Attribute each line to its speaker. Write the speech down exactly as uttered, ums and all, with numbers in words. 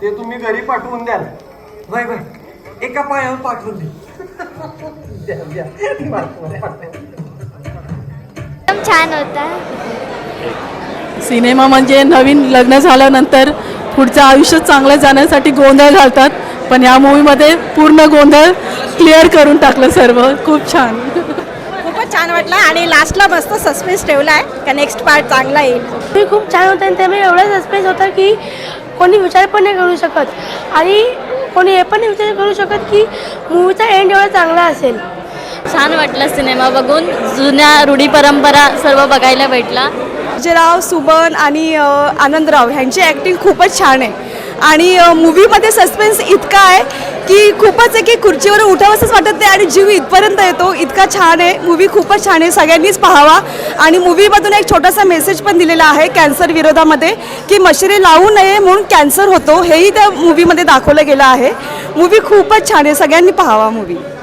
Speaker 1: ते तुम्ही घरी पाठवून द्याल. Bye bye. एका पायावर पाठवून दे. द्या द्या पाठवा, पाठवा.
Speaker 2: एकदम छान होता.
Speaker 3: सिनेमा म्हणजे नवीन लग्न झाल्यानंतर पुढचं आयुष्य चांगलं जाण्यासाठी गोंधळ घालतात, पण या मूवीमध्ये पूर्ण गोंधळ क्लिअर करून टाकलं सर्व. खूप छान,
Speaker 4: खूपच छान वाटलं आणि लास्टला मस्त सस्पेन्स ठेवला आहे का नेक्स्ट पार्ट चांगला येईल.
Speaker 5: ते खूप छान होतं आणि त्यामुळे एवढा सस्पेन्स होता की कोणी विचार पण नाही करू शकत आणि कोणी हे पण नाही विचार करू शकत की मूवीचा एंड एवढा चांगला असेल.
Speaker 6: छान वाटलं सिनेमा बघून. जुन्या रूढी परंपरा सर्व बघायला भेटला.
Speaker 4: अजयराव, सुमन आणि आनंदराव ह्यांची ॲक्टिंग खूपच छान आहे आणि मूवीमध्ये सस्पेन्स इतका आहे की खूपच आहे की खुर्चीवर उठावंसंच वाटत नाही आणि जीव इथपर्यंत येतो. इतका छान आहे मूवी, खूपच छान आहे. सगळ्यांनीच पाहावा. आणि मूवीमधून एक छोटासा मेसेज पण दिलेला आहे कॅन्सर विरोधामध्ये की मशिरी लावू नये म्हणून कॅन्सर होतो, हेही त्या मूवीमध्ये दाखवलं गेलं आहे. मूवी खूपच छान आहे, सगळ्यांनी पाहावा मूवी.